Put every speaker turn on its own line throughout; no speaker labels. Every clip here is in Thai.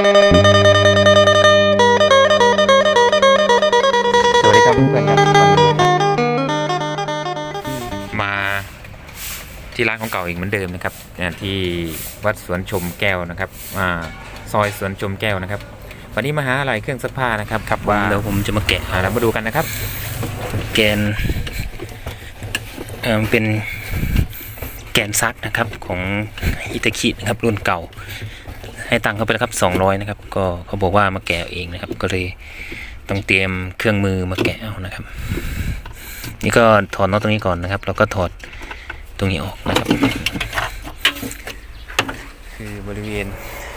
สวัสดีครับเพื่อนๆครับมาที่ร้านของเก่าอีกเหมือนเดิมนะครับที่วัดสวนชมแก้วนะครับซอยสวนชมแก้วนะครับวันนี้มาหาอะไรเครื่องซักผ้านะครับครับว่า
เดี๋ยวผมจะมาแกะ
เรามาดูกันนะครับ
แกนเป็นแกนซักนะครับของอิตาคินะครับรุ่นเก่าให้ตังค์เขาไปแล้วครับ200นะครับก็เขาบอกว่ามาแกะเองนะครับก็เลยต้องเตรียมเครื่องมือมาแกะเอานะครับนี่ก็ถอดน็อตตรงนี้ก่อนนะครับแล้วก็ถอดตรงนี้ออกนะครับคือบริเวณ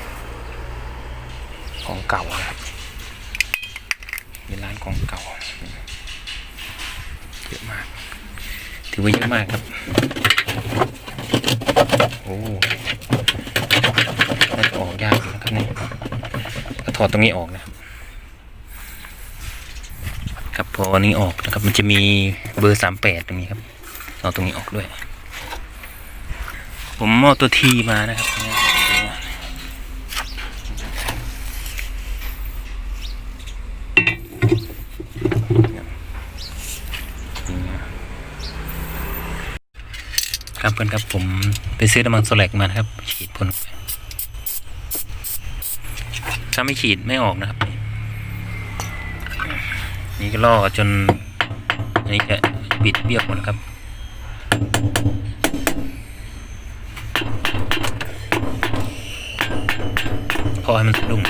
ของเก่านะครับเป็นร้านของเก่าเยอะมากถือว่าเยอะมากครับโอ้น่าจะออกยากนะครับเนี่ยก็ถอดตรงนี้ออกนะครับครับพออันนี้ออกนะครับมันจะมีเบอร์38ตรงนี้ครับเอาตรงนี้ออกด้วยผมเอาตัวทีมานะครับครับเพื่อนครับผมไปซื้อน้ำมันโซแลกมานะครับฉีดพ่นถ้าไม่ฉีดไม่ออกนะครับนี่ก็ล่อจนอันนี้จะบิดเบี้ยวหมดครับพอให้มันสะดุ้ง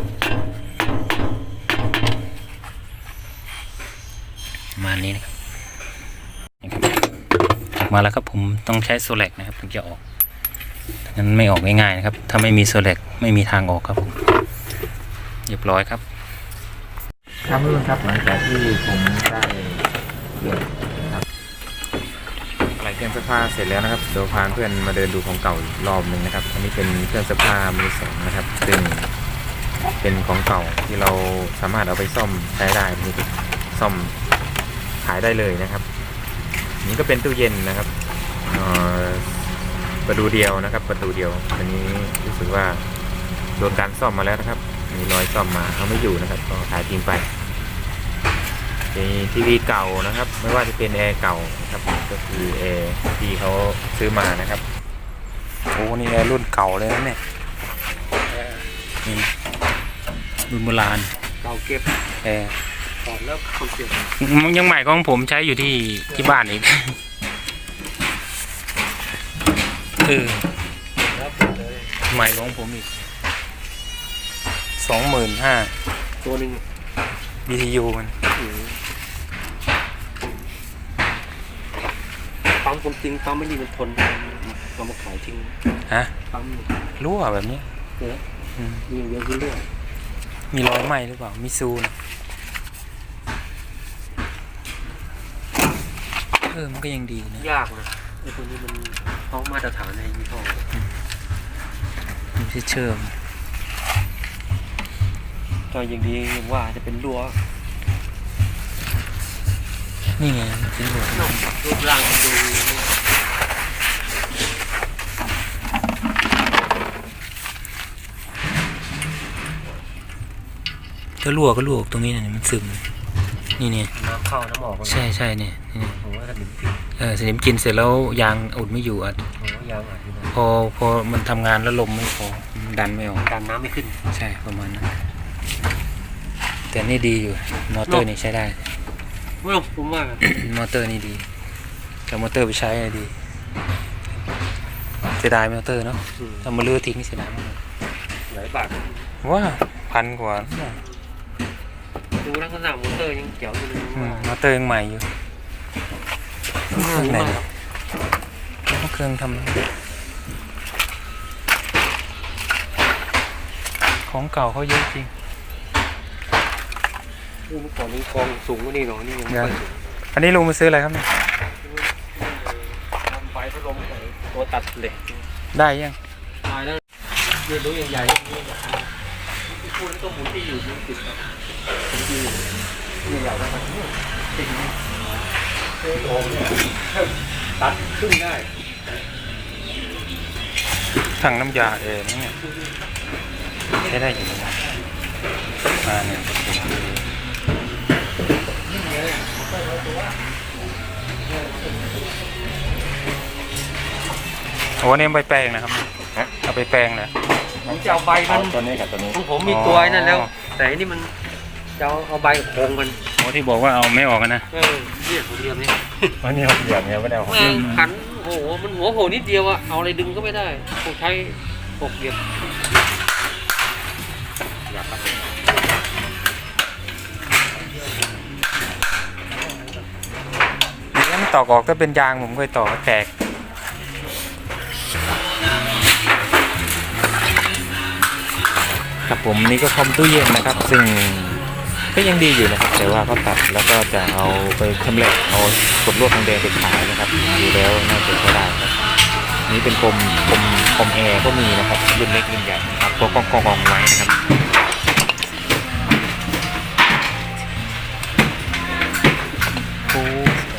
ประมาณนี้นะครับมาแล้วครับผมต้องใช้โซแลกนะครับถึงจะออกงั้นไม่ออกง่ายๆนะครับถ้าไม่มีโซแลกไม่มีทางออกครับผมเรียบร้อยครับ
ครับเพื่อนครับหลังจากที่ผมได้เกี่ยวครับอะไรเครื่องซักผ้าเสร็จแล้วนะครับเดี๋ยวพาเพื่อนมาเดินดูของเก่าอีกรอบหนึ่งนะครับอันนี้เป็นเครื่องซักผ้ามือสองนะครับซึ่งเป็นของเก่าที่เราสามารถเอาไปซ่อมใช้ได้นี่ซ่อมขายได้เลยนะครับนี่ก็เป็นตู้เย็นนะครับประตูเดียวนะครับประตูเดียวอันนี้รู้สึกว่าโดนการซ่อมมาแล้วนะครับมีรอยซ่อมมาเขาไม่อยู่นะครับก็ขายทิ้งไปมีทีวีเก่านะครับไม่ว่าจะเป็นแอร์เก่านะครับก็คือแอร์ที่เขาซื้อมานะครับโอ้นี่แอร์รุ่นเก่าเลยนะเนี่ย
รุ่นโบราณ
เก่าเก็บ
แอร์
ถอดแล้วเขาเก็บ
ยังใหม่ของผมใช้อยู่ที่บ้านอีกใหม่ของผมอีก25,000
ตัวหนึ่ง
BTU มัน
ปั๊มผมจริงปั๊มไม่ดีมันทนเอามาขายทิ้ง
ฮะ
ปั๊ม
รั่วแบบนี้
มีเยอะขึ้นเรื่อย
มีรอยไหม้หรือเปล่ามีซูนะมันก็ยังดีนะ
ยากนะไอ้ตัวนี้มันเขามาตรฐานในยี่ห้อ
มันจะเชื่อม
ก็อย่างดีอย่างว่าจะเป็นรั้ว
นี่ไงเป็นรั้ว
รูปร่างดู
ถ้ารั่วก็รั่วตรงนี้เนี่ยมันซึมนี่เนี่ย
น้ำเข้าน้ำออก
ใช่เนี่ย
ผมว่าสนิมกิน
สนิมกินเสร็จแล้วยางอุดไม่อยู่อ่ะ
ยางอัด
พอมันทำงานแล้วลมไม่พอดันไม่ออก
ดันน้ำไม่ขึ้น
ใช่ประมาณนั้นแต่นี่ดีอยู่มอเตอร์นี่ใช้ได้
ไม่ผมว่าม
อเตอร์นี่ดีกับมอเตอร์ไปใช้ดีเสียดายมอเตอร์เนาะถ้ามาเลือกทิ้งเสียดายมาก
หลายบาท
ว่า1,000 กว่า
ดูลักษณะมอเตอร์ยังเกี่ยวอยู่เลย
มอเตอร์ยังใหม่อยู่เครื่องไหนเครื่องทำของเก่าเขาเยอะจริง
เมื่อก่อนนี้กองสูงกว่านี่หรอนี่ยังไม่สูง
อันนี้ลุงมาซื้ออะไรครับเนี่ย
ทำไฟพัดลมตัวตัดเหล็ก
ได้ยัง
ได้แล้วเรือรู้ใหญ่ๆที่พูดต้องหมุนที่อยู่ติดที่ใหญ่ๆนะครับติดโอ่งเนี่ยตัดขึ้นได้
ถังน้ำยาเนี่ย
นี่
ช้ได้อยู่นะครับเนี่ยโอ้เนี่ยไปแปลงนะครับเอาไปแปลงนะ
ผมจะเอาใบมัน
ตัวนี้กับตัวนี้
ของผมมีตัวไอ้นั่นแล้ว แต่อันนี่มันจะเอาใบกับโครงมัน
โอ้ที่บอกว่าเอาไม่ออกนะ
เนี่ยผมเรียมนี่
วันนี้เขาเหยียบเนี่ยไม่ได้เอา
แม่งขันโอ้โหมันหัวโผล่นิดเดียวอะเอาอะไรดึงก็ไม่ได้ต้องใช้หกเหลี่ยม
นี่มันตอกออกก็เป็นยางผมเคยตอกแตกครับผมนี่ก็คอมตู้เย็นนะครับ ซึ่งก็ยังดีอยู่นะครับ แต่ว่าเขาตัดแล้วก็จะเอาไปชำแหละเอากดลวดทองแดงไปขายนะครับดูแล้วน่าจะใช้ได้ครับนี่เป็นคมแอร์ก็มีนะครับรุ่นเล็กรุ่นใหญ่ครับตัวกองไว้นะครับโอ้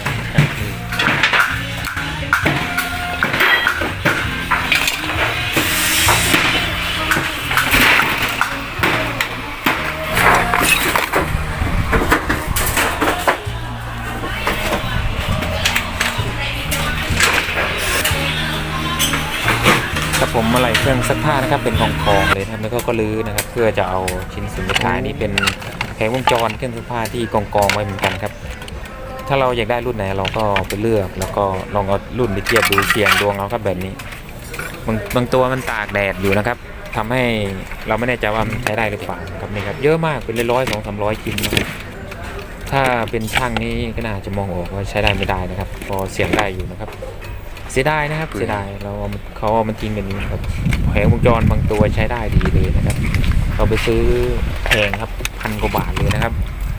ครับผมอะไรเครื่องซักผ้านะครับเป็นกองเลยนะครับแล้วก็ลื้อนะครับเพื่อจะเอาชิ้นส่วนสุดท้ายนี่เป็นแผงวงจรเครื่องซักผ้าที่กองไว้เหมือนกันครับถ้าเราอยากได้รุ่นไหนเราก็ไปเลือกแล้วก็ลองเอารุ่นไปเทียบดูเสียงดวงเอาครับแบบนี้บางตัวมันตากแดดอยู่นะครับทำให้เราไม่แน่ใจว่ามันใช้ได้หรือเปล่าครับนี่ครับเยอะมากเป็นร้อย200-300ชิ้นนะครับถ้าเป็นช่างนี้ก็น่าจะมองออกว่าใช้ได้ไม่ได้นะครับพอเสียงได้อยู่นะครับเสียดายนะครับเสียดายเขาเอามันทิ้งกันนี้ครับแผงวงจรบางตัวใช้ได้ดีเลยนะครับเราไปซื้อแพงครับ1,000 กว่าบาทเลยนะครับ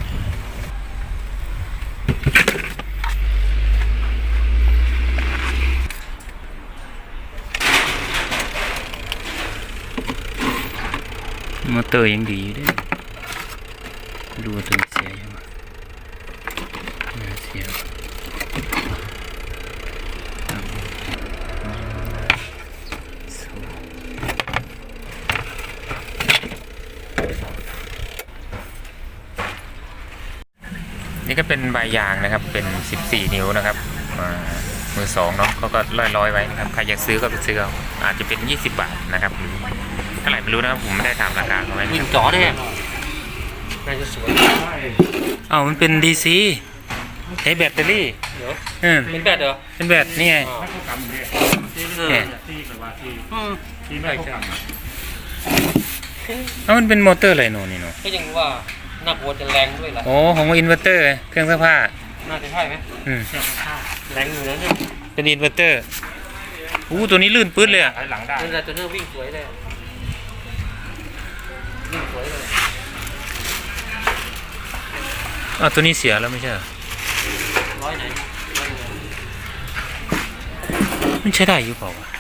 มอเตอร์ยังดีด้วยดูว่าตัวเสียยังไงเสียนี่ก็เป็นใบยางนะครับเป็น14 นิ้วนะครับมือสองเนาะเขาก็ร้อยไว้นะครับใครอยากซื้อก็ไปซื้อเอาอาจจะเป็น20 บาทนะครับเท่าไหร่ไม่รู้นะครับผมไม่ได้ถามราคาเขาไว้
วิ่งจ่อได้น่าจะสวย
อ้าวมันเป็น DC ใช้แบตเตอรี่
เดี๋ยว
เป็นแบตเหรอเป็นแบตนี่ไงเนี่ยมันเป็นมอเตอร์อะไรโน่นนี่เนาะ
ก็ยังว่าหนักวัวจะแรงด้วยล่ะ
โอ้ของอินเวอร์เตอร์เครื่องซักผ้า
น่าจะใช่ไหมแรงอยู่แล้วเนี่ย
เป็นอินเวอร์เตอร์ตัวนี้ลื่นปื๊ดเลยอ่ะ
หลังได้
นั่นแหละตัวนี้วิ่งสวยเลยวิ่งสวยเลย
ตัวนี้เสียแล้วไม่ใช่เหรอ
ร้อยไหน
มันใช้ได้อยู่เปล่าวะ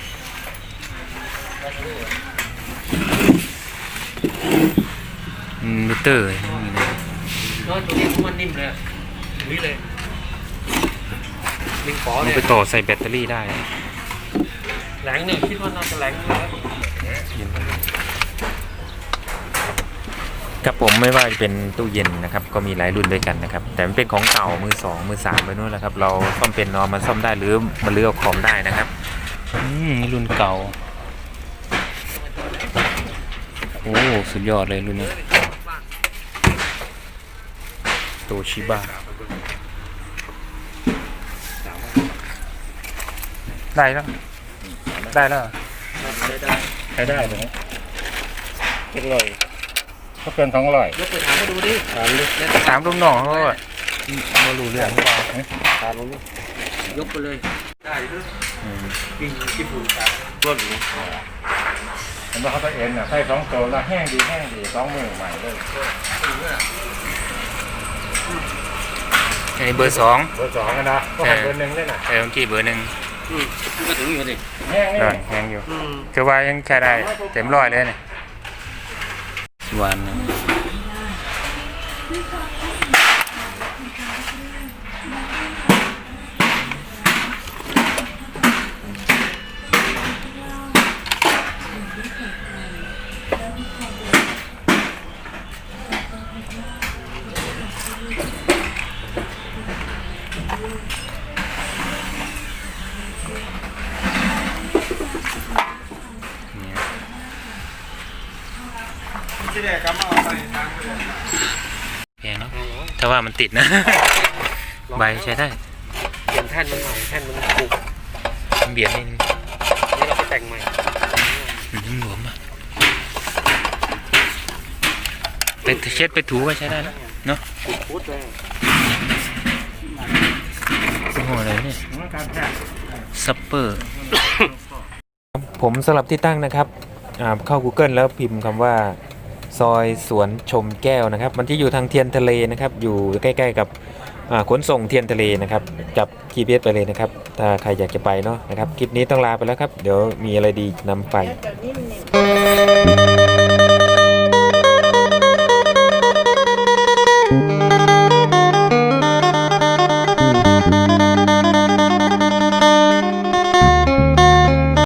อินเวอร์เตอร์นี่นะ
น้อยตัวนี้มันนิ่มเลยวิ่งเลยวิ่งขอ
มั
เล
น
ย
ไปต่อใส่แบตเตอรี่ได้
แรงเนี่ยคิดว่าน่าจะแรงเลย
ครับผมไม่ว่าจะเป็นตู้เย็นนะครับก็มีหลายรุ่นด้วยกันนะครับแต่มันเป็นของเก่ามือ2มือ3ไปนู่นแหละครับเราซ่อมเป็นเอามาซ่อมได้หรือมาเลือกของได้นะครับนี่รุ่นเก่าโอ้สุดยอดเลยรุ่นนี้โตชิบะได้แล้วได้แล้วใช้ได้เลยเจ็ดร้อยก็เป็น200
ยกไปถามเขาดูดิ
ถามลุงหน่องเขาว่าไม่รู้เรื่องถามลุง
ยกไปเลยได้ด้วยวิ่งที่ผูกขาร่วมอยู่
เห็นว่าเขาตัวเอ็นใส่2 ตัวแล้วแห้งดี2 มือใหม่เลย
อันนี้เบอร์2
เบอร์2กันนะก็หันเบอร์1ได้น่ะ
เมื่อกี้เบอร์1
มันก็ถึงอยู่ดิ
แห้งนี่
แพงอยู่คือว่ายังใช้ได้เต็มร้อยเลยเนี่ยวันแพงเนาะถ้าว่ามันติดนะ ใบใช้ได้
เปลี่ยนแท่นมันใหม่แท่นมันปุก
มันเบียดนิดนึง
นี่เราไปแต่งใหม่
หลวมอ่ะไปเช็ดไปถูก็ใช้ได้นะเนาะ
ปุกพุดเลย
ยี่ห้ออะไรเนี่ยซัปเปอร์ ผมสลับที่ตั้งนะครับเข้า Google แล้วพิมพ์คำว่าซอยสวนชมแก้วนะครับมันที่อยู่ทางเทียนทะเลนะครับอยู่ใกล้ๆกับขนส่งเทียนทะเลนะครับจับ GPS ไปเลยนะครับถ้าใครอยากจะไปเนาะนะครับคลิปนี้ต้องลาไปแล้วครับเดี๋ยวมีอะไรดีนำไป